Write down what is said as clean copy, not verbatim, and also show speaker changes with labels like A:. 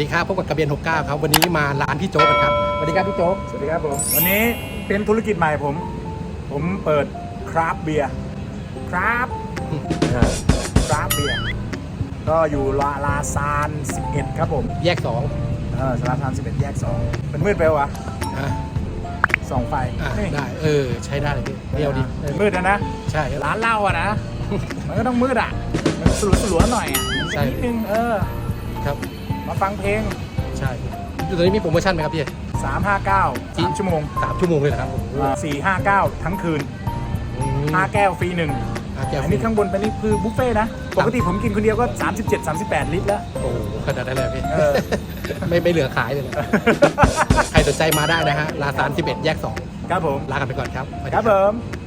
A: ดีครับพบกับกระเบียน69ครับวันนี้มาร้านพี่โจ๊กกันครับสวัสดีครับพี่โจ๊ก
B: สวัสดีครับผมวันนี้เป็นธุรกิจใหม่ผมเปิดคราฟต์เบียร์คราฟต์เบียร์ก็อยู่ลาซาน11ครับผม
A: แยก2
B: ลาซาน11แยก2เป็นมืดไปวะส่องไฟ
A: ได้ใช้ได้เลยพี่เดียวดี
B: มืดนะ
A: ใช่
B: ร้านเหล้าอะนะ มันก็ต้องมืดอ่ะมันสลัวหน่อยอ่ะ
A: ใช่
B: นิดนึง
A: ครับ
B: มาฟังเพลง
A: ใช่อยู่ตอนนี้มีโปรโมชั่นไหมครับพี่
B: 359 3 ชั่วโมง
A: 3 ชั่วโมงเลยนะครับ
B: 459ทั้งคืน5 แก้วฟรี1อันนี้ข้างบนเป็นนี่คือบุฟเฟ่นะปกติผมกินคนเดียวก็37-38 ลิตรแล้ว
A: โอ้ขนาดนั้นเลยพี่ไม่เหลือขายเลยใครสนใจมาได้นะฮะลาซาน11แยก2
B: ครับผม
A: ลากันไปก่อนครับ
B: ครับผม